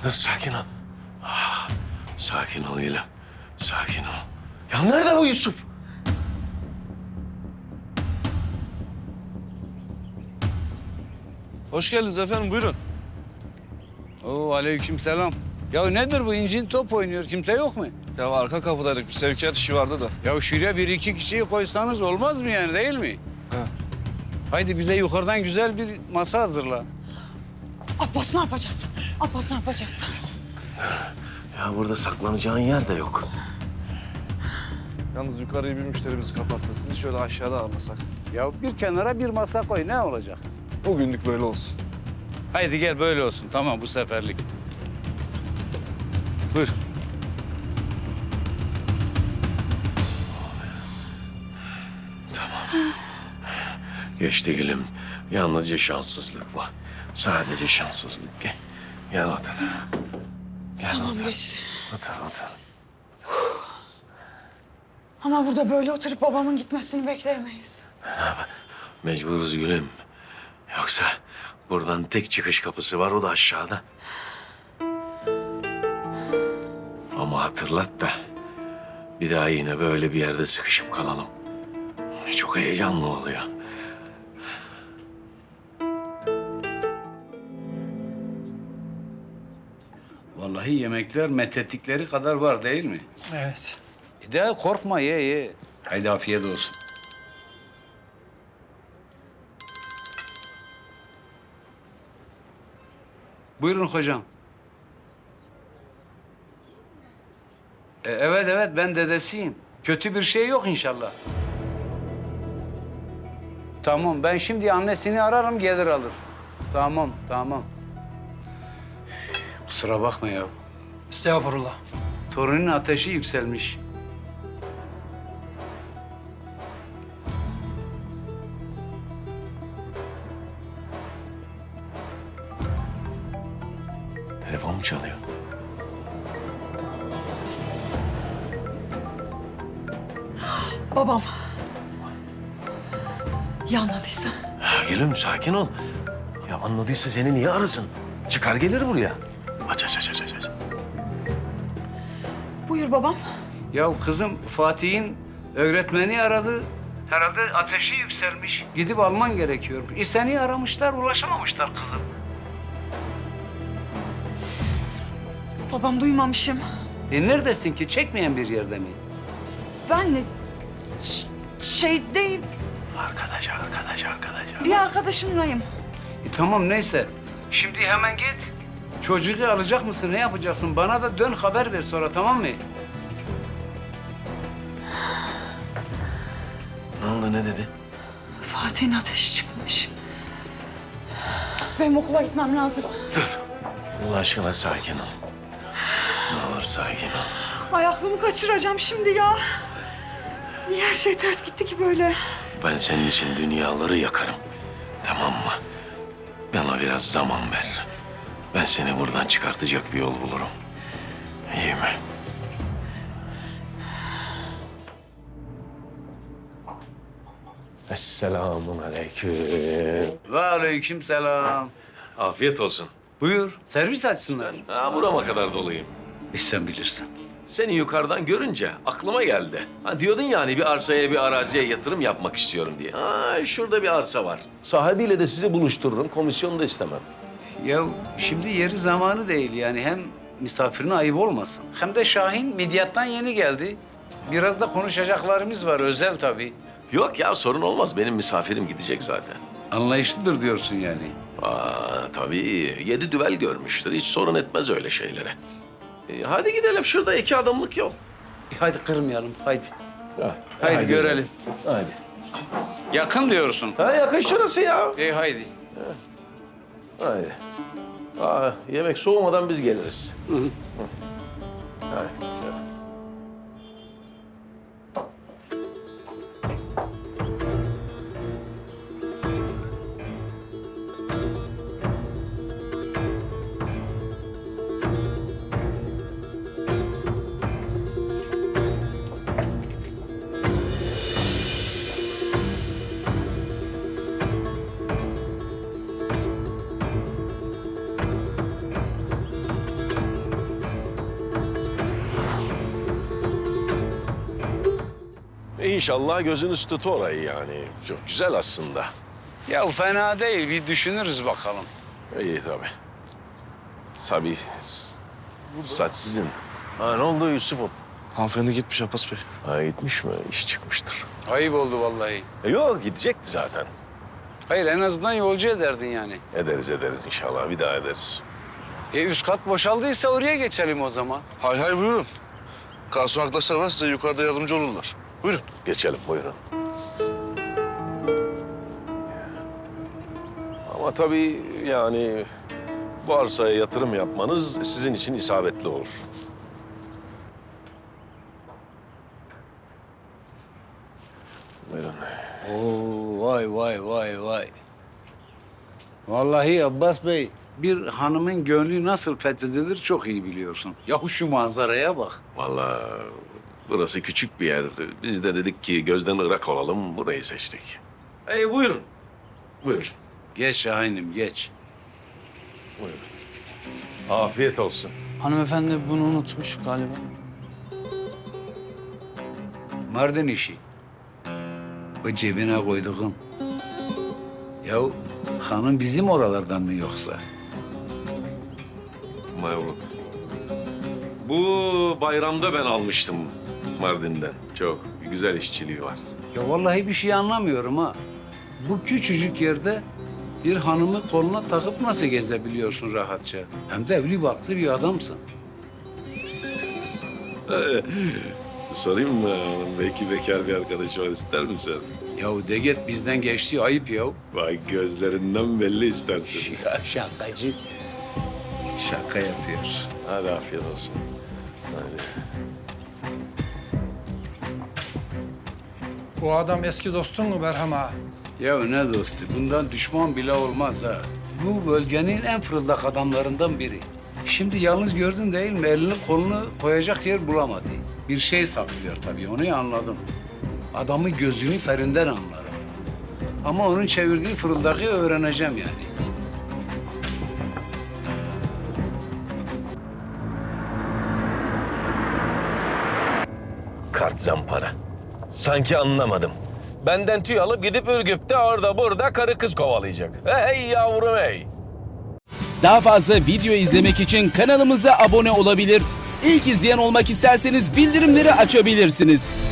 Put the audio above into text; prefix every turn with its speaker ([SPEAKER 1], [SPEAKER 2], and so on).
[SPEAKER 1] Dur sakin ol. Sakin ol İlhan. Sakin ol. Ya nerede bu Yusuf?
[SPEAKER 2] Hoş geldiniz efendim, buyurun.
[SPEAKER 3] Oo, aleykümselam. Ya nedir bu incin top oynuyor? Kimse yok mu?
[SPEAKER 2] Ya arka kapıdaydık, bir sevkiyat işi vardı da.
[SPEAKER 3] Ya şuraya bir iki kişiyi koysanız olmaz mı yani, değil mi?
[SPEAKER 2] Ha.
[SPEAKER 3] Haydi bize yukarıdan güzel bir masa hazırla.
[SPEAKER 4] Abbas ne yapacağız? Abbas ne yapacağız?
[SPEAKER 1] Ya burada saklanacağın yer de yok.
[SPEAKER 2] Yalnız yukarıyı bir müşterimiz kapattı. Sizi şöyle aşağıda almasak.
[SPEAKER 3] Ya bir kenara bir masa koy, ne olacak?
[SPEAKER 2] Bugünlük böyle olsun.
[SPEAKER 3] Haydi gel böyle olsun, tamam bu seferlik. Buyur.
[SPEAKER 1] Geçti gülüm. Yalnızca şanssızlık bu. Sadece şanssızlık. Gel. Gel otur. Gel
[SPEAKER 4] Tamam
[SPEAKER 1] otur.
[SPEAKER 4] geçti.
[SPEAKER 1] Otur otur.
[SPEAKER 4] Ama burada böyle oturup babamın gitmesini bekleyemeyiz.
[SPEAKER 1] Mecburuz gülüm. Yoksa buradan tek çıkış kapısı var, o da aşağıda. Ama hatırlat da bir daha yine böyle bir yerde sıkışıp kalalım. Çok heyecanlı oluyor.
[SPEAKER 3] Vallahi yemekler methettikleri kadar var değil mi?
[SPEAKER 4] Evet.
[SPEAKER 3] De korkma, ye. Haydi afiyet olsun. Buyurun hocam. Evet ben dedesiyim. Kötü bir şey yok inşallah. Tamam, ben şimdi annesini ararım, gelir alır. Tamam. Kusura bakma ya.
[SPEAKER 5] Estağfurullah.
[SPEAKER 3] Torunun ateşi yükselmiş.
[SPEAKER 1] Telefon mu çalıyor?
[SPEAKER 4] Babam. Ya anladıysa?
[SPEAKER 1] Gülüm sakin ol. Ya anladıysa seni niye arasın? Çıkar gelir buraya. Aç.
[SPEAKER 4] Buyur babam.
[SPEAKER 3] Ya kızım, Fatih'in öğretmeni aradı. Herhalde ateşi yükselmiş. Gidip alman gerekiyor. Seni aramışlar, ulaşamamışlar kızım.
[SPEAKER 4] Babam duymamışım.
[SPEAKER 3] Neredesin ki? Çekmeyen bir yerde mi?
[SPEAKER 4] Ben de şeydeyim,
[SPEAKER 1] Arkadaş.
[SPEAKER 4] bir arkadaşımlayım.
[SPEAKER 3] Tamam neyse. Şimdi hemen git. Çocuğu alacak mısın? Ne yapacaksın? Bana da dön haber ver sonra, tamam mı?
[SPEAKER 1] Ne oldu, ne dedi?
[SPEAKER 4] Fatih'in ateşi çıkmış. Benim okula gitmem lazım.
[SPEAKER 1] Allah aşkına sakin ol. Ne olur sakin ol.
[SPEAKER 4] Ay aklımı kaçıracağım şimdi ya. Niye her şey ters gitti ki böyle?
[SPEAKER 1] Ben senin için dünyaları yakarım. Tamam mı? Bana biraz zaman ver. Ben seni buradan çıkartacak bir yol bulurum. İyi mi? Esselamun aleyküm.
[SPEAKER 3] Ve aleykümselam.
[SPEAKER 1] Afiyet olsun.
[SPEAKER 3] Buyur, servis açsınlar.
[SPEAKER 1] Burama kadar doluyum.
[SPEAKER 3] Sen bilirsin.
[SPEAKER 1] Seni yukarıdan görünce aklıma geldi. Diyordun yani bir arsaya, bir araziye yatırım yapmak istiyorum diye. Şurada bir arsa var. Sahibiyle de sizi buluştururum. Komisyonu da istemem.
[SPEAKER 3] Ya şimdi yeri zamanı değil yani, hem misafirine ayıp olmasın. Hem de Şahin Midyat'tan yeni geldi. Biraz da konuşacaklarımız var, özel tabii.
[SPEAKER 1] Yok ya, sorun olmaz. Benim misafirim gidecek zaten.
[SPEAKER 3] Anlayışlıdır diyorsun yani.
[SPEAKER 1] Tabii. 7 düvel görmüştür. Hiç sorun etmez öyle şeylere. Hadi gidelim. Şurada 2 adımlık yol.
[SPEAKER 3] Hadi kırmayalım, haydi.
[SPEAKER 1] Ha,
[SPEAKER 3] Haydi görelim.
[SPEAKER 1] Hadi.
[SPEAKER 3] Yakın diyorsun.
[SPEAKER 1] Yakın şurası ya.
[SPEAKER 3] Haydi.
[SPEAKER 1] Hadi. Yemek soğumadan biz geliriz. Hadi. İnşallah gözünüz tut orayı yani. Çok güzel aslında.
[SPEAKER 3] Ya fena değil, bir düşünürüz bakalım.
[SPEAKER 1] İyi tabii. Tabii. Saç sizin. Ha ne oldu Yusuf'um?
[SPEAKER 2] Hanımefendi gitmiş Abbas Bey.
[SPEAKER 1] Ha gitmiş mi? İş çıkmıştır.
[SPEAKER 3] Ayıp oldu vallahi.
[SPEAKER 1] Yok gidecekti zaten.
[SPEAKER 3] Hayır, en azından yolcu ederdin yani.
[SPEAKER 1] Ederiz inşallah. Bir daha ederiz.
[SPEAKER 3] Üst kat boşaldıysa oraya geçelim o zaman.
[SPEAKER 2] Hay hay buyurun. Garson arkadaşlar var size yukarıda yardımcı olurlar. Buyurun.
[SPEAKER 1] Geçelim buyurun. Ama tabii yani bu arsaya yatırım yapmanız sizin için isabetli olur. Buyurun.
[SPEAKER 3] Oo, vay. Vallahi Abbas Bey, bir hanımın gönlü nasıl fethedilir çok iyi biliyorsun. Yahu şu manzaraya bak.
[SPEAKER 1] Vallahi burası küçük bir yer. Biz de dedik ki gözden ırak olalım, burayı seçtik. Buyurun. Buyur.
[SPEAKER 3] Geç Şahin'im, geç.
[SPEAKER 1] Buyurun. Afiyet olsun.
[SPEAKER 5] Hanımefendi bunu unutmuş galiba.
[SPEAKER 3] Mardin işi. O cebine koyduğum. Ya hanım bizim oralardan mı yoksa?
[SPEAKER 1] Mavruk. Bu bayramda ben almıştım Mardin'den. Çok güzel işçiliği var.
[SPEAKER 3] Ya vallahi bir şey anlamıyorum ha. Bu küçücük yerde bir hanımı koluna takıp nasıl gezebiliyorsun rahatça? Hem de evli barklı bir adamsın.
[SPEAKER 1] Sorayım mı? Belki bekar bir arkadaş var, ister misin?
[SPEAKER 3] Ya de git, bizden geçti, ayıp ya.
[SPEAKER 1] Vay gözlerinden belli istersin.
[SPEAKER 3] Şakacı. Şaka yapıyor.
[SPEAKER 1] Hadi afiyet olsun. Hadi.
[SPEAKER 6] Bu adam eski dostun mu Berham ağa?
[SPEAKER 3] Ya ne dostu, bundan düşman bile olmaz ha. Bu bölgenin en fırıldak adamlarından biri. Şimdi yalnız gördün değil mi? Elini kolunu koyacak yer bulamadı. Bir şey saklıyor tabii, onu anladım. Adamı gözünü ferinden anlarım. Ama onun çevirdiği fırıldağı öğreneceğim yani.
[SPEAKER 1] Kart zampara. Sanki anlamadım. Benden tüy alıp gidip Ürgüp'te orada burada karı kız kovalayacak. Hey yavrum hey.
[SPEAKER 7] Daha fazla video izlemek için kanalımıza abone olabilir. İlk izleyen olmak isterseniz bildirimleri açabilirsiniz.